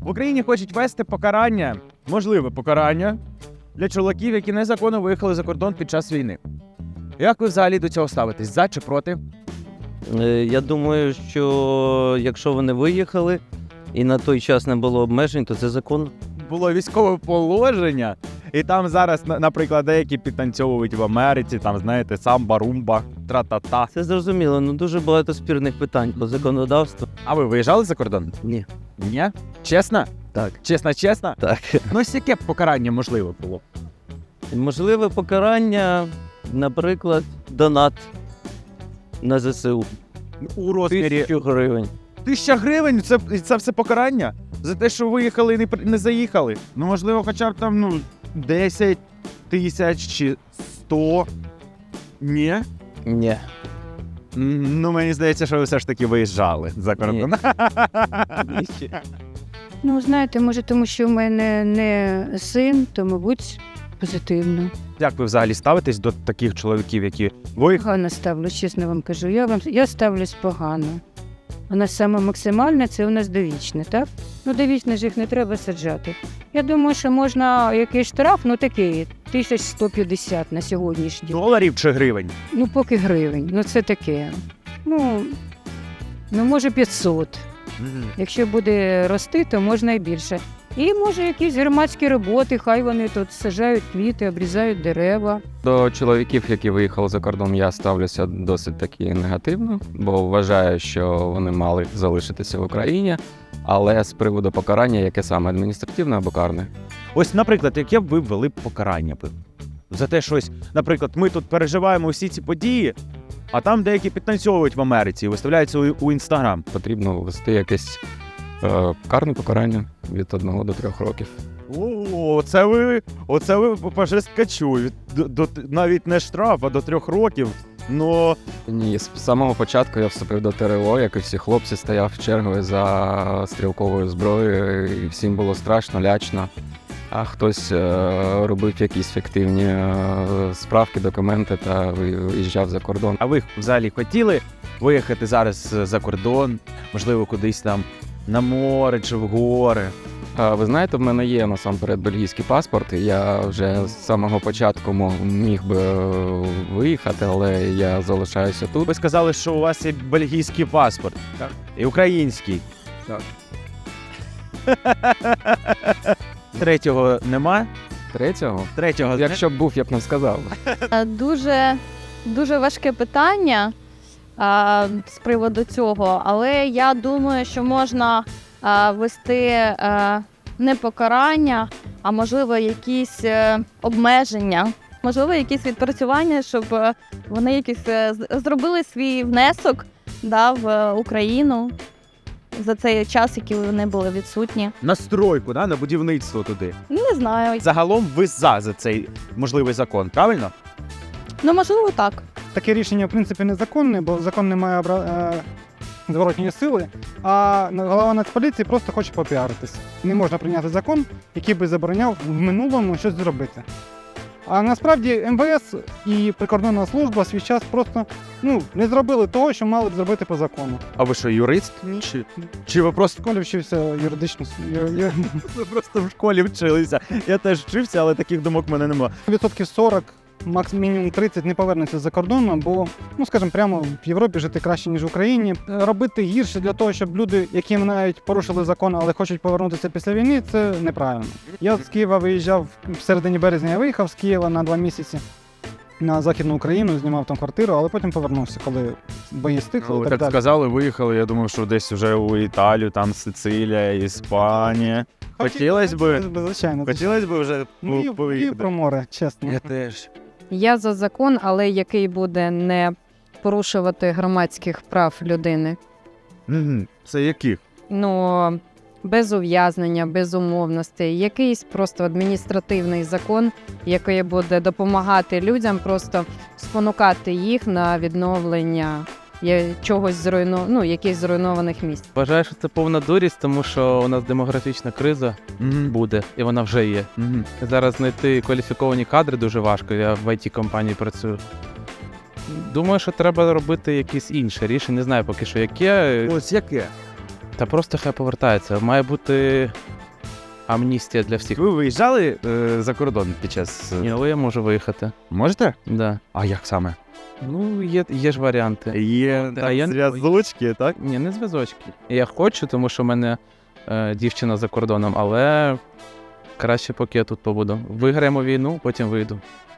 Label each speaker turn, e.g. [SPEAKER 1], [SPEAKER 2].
[SPEAKER 1] В Україні хочуть ввести покарання, можливе покарання, для чоловіків, які незаконно виїхали за кордон під час війни. Як ви взагалі до цього ставитесь? За чи проти?
[SPEAKER 2] Я думаю, що якщо вони виїхали і на той час не було обмежень, то це законно.
[SPEAKER 1] Було військове положення, і там зараз, наприклад, деякі підтанцьовують в Америці, там, знаєте, самба, румба, тра-та-та.
[SPEAKER 2] Це зрозуміло, але дуже багато спірних питань по законодавству.
[SPEAKER 1] А ви виїжджали за кордон?
[SPEAKER 2] Ні.
[SPEAKER 1] Ні? Чесно?
[SPEAKER 2] Так.
[SPEAKER 1] Чесно?
[SPEAKER 2] Так.
[SPEAKER 1] Ну, ось яке б покарання можливо було?
[SPEAKER 2] Можливе покарання, наприклад, донат на ЗСУ.
[SPEAKER 1] У розмірі
[SPEAKER 2] 1000 гривень.
[SPEAKER 1] 1000 гривень – це все покарання? За те, що виїхали і не заїхали? Ну, можливо, хоча б там, 10 тисяч чи 100? Ні?
[SPEAKER 2] Ні.
[SPEAKER 1] Ну, мені здається, що ви все ж таки виїжджали за кордон.
[SPEAKER 3] Ну, знаєте, може, тому що в мене не син, то, мабуть, позитивно.
[SPEAKER 1] Як ви взагалі ставитесь до таких чоловіків, які виїхали?
[SPEAKER 3] Погано ставлюсь, чесно вам кажу. Я ставлюсь погано. У нас саме максимальне – це у нас довічне, так? Ну, довічне ж їх не треба саджати. Я думаю, що можна якийсь штраф, такий, 1150 на сьогоднішній.
[SPEAKER 1] Доларів чи гривень?
[SPEAKER 3] Ну, поки гривень. Ну, це таке. Ну, може 500. Якщо буде рости, то можна і більше. І може якісь громадські роботи, хай вони тут саджають квіти, обрізають дерева.
[SPEAKER 4] До чоловіків, які виїхали за кордон, я ставлюся досить таки негативно, бо вважаю, що вони мали залишитися в Україні, але з приводу покарання, яке саме адміністративне або карне.
[SPEAKER 1] Ось, наприклад, яке б ви ввели покарання б? За те, щось, наприклад, ми тут переживаємо всі ці події, а там деякі підтанцьовують в Америці і виставляються у Інстаграм.
[SPEAKER 4] Потрібно ввести якесь карне покарання від 1 до 3 років.
[SPEAKER 1] Оце ви по жесткачу. Навіть не штраф, а до 3 років.
[SPEAKER 4] Ні, з самого початку я вступив до ТРО, як і всі хлопці, стояв чергою за стрілковою зброєю, і всім було страшно, лячно. А хтось робив якісь фіктивні справки, документи та виїжджав за кордон.
[SPEAKER 1] А ви взагалі хотіли виїхати зараз за кордон, можливо, кудись там на море чи в гори?
[SPEAKER 4] Ви знаєте, в мене є насамперед бельгійський паспорт, і я вже з самого початку міг би виїхати, але я залишаюся тут.
[SPEAKER 1] Ви сказали, що у вас є бельгійський паспорт.
[SPEAKER 4] Так.
[SPEAKER 1] І український.
[SPEAKER 4] Так.
[SPEAKER 1] Третього нема?
[SPEAKER 4] Третього? Якщо б був, я б не сказав.
[SPEAKER 5] Дуже важке питання з приводу цього, але я думаю, що можна ввести не покарання, а можливо якісь обмеження, можливо якісь відпрацювання, щоб вони якісь зробили свій внесок в Україну за цей час, який вони були відсутні.
[SPEAKER 1] На стройку, на будівництво туди.
[SPEAKER 5] Не знаю.
[SPEAKER 1] Загалом ви за цей можливий закон, правильно?
[SPEAKER 5] Ну, можливо, так.
[SPEAKER 6] Таке рішення, в принципі, незаконне, бо закон не має зворотньої сили, а голова Нацполіції просто хоче попіаритись. Не можна прийняти закон, який би забороняв в минулому щось зробити. А насправді МВС і прикордонна служба свій час просто не зробили того, що мали б зробити по закону.
[SPEAKER 1] А ви що, юрист? Чи ви просто
[SPEAKER 6] В школі вчився юридично.
[SPEAKER 1] ви просто в школі вчилися? Я теж вчився, але таких думок в мене немає.
[SPEAKER 6] Відсотків 40, мінімум 30 не повернуться з-за кордону, бо, скажімо, прямо в Європі жити краще, ніж в Україні. Робити гірше для того, щоб люди, які навіть порушили закон, але хочуть повернутися після війни, це неправильно. Я з Києва виїжджав, в середині березня я виїхав з Києва на 2 місяці на Західну Україну, знімав там квартиру, але потім повернувся, коли бої стихли.
[SPEAKER 1] Ви так сказали, виїхали, я думав, що десь вже у Італію, там Сицилія, Іспанія. Хотілося б,
[SPEAKER 6] Звичайно.
[SPEAKER 1] хотілося б вже
[SPEAKER 6] І
[SPEAKER 1] поїхати.
[SPEAKER 6] про море, чесно.
[SPEAKER 1] Я теж.
[SPEAKER 7] Я за закон, але який буде не порушувати громадських прав людини.
[SPEAKER 1] Це яких?
[SPEAKER 7] Без ув'язнення, без умовностей. Якийсь просто адміністративний закон, який буде допомагати людям, просто спонукати їх на відновлення чогось якихось зруйнованих місць.
[SPEAKER 2] Вважаю, що це повна дурість, тому що у нас демографічна криза буде, і вона вже є. Зараз знайти кваліфіковані кадри дуже важко, я в IT-компанії працюю. Думаю, що треба робити якісь інше рішення, не знаю поки що яке.
[SPEAKER 1] Ось яке?
[SPEAKER 2] Та просто хай повертається. Має бути Амністія для всіх.
[SPEAKER 1] Ви виїжджали за кордон під час.
[SPEAKER 2] Ні, але я можу виїхати.
[SPEAKER 1] Можете?
[SPEAKER 2] Да.
[SPEAKER 1] А як саме?
[SPEAKER 2] Ну, є ж варіанти.
[SPEAKER 1] Є
[SPEAKER 2] Та я не-
[SPEAKER 1] зв'язочки, так?
[SPEAKER 2] Ні, не зв'язочки. Я хочу, тому що в мене дівчина за кордоном, але краще поки я тут побуду. Виграємо війну, потім вийду.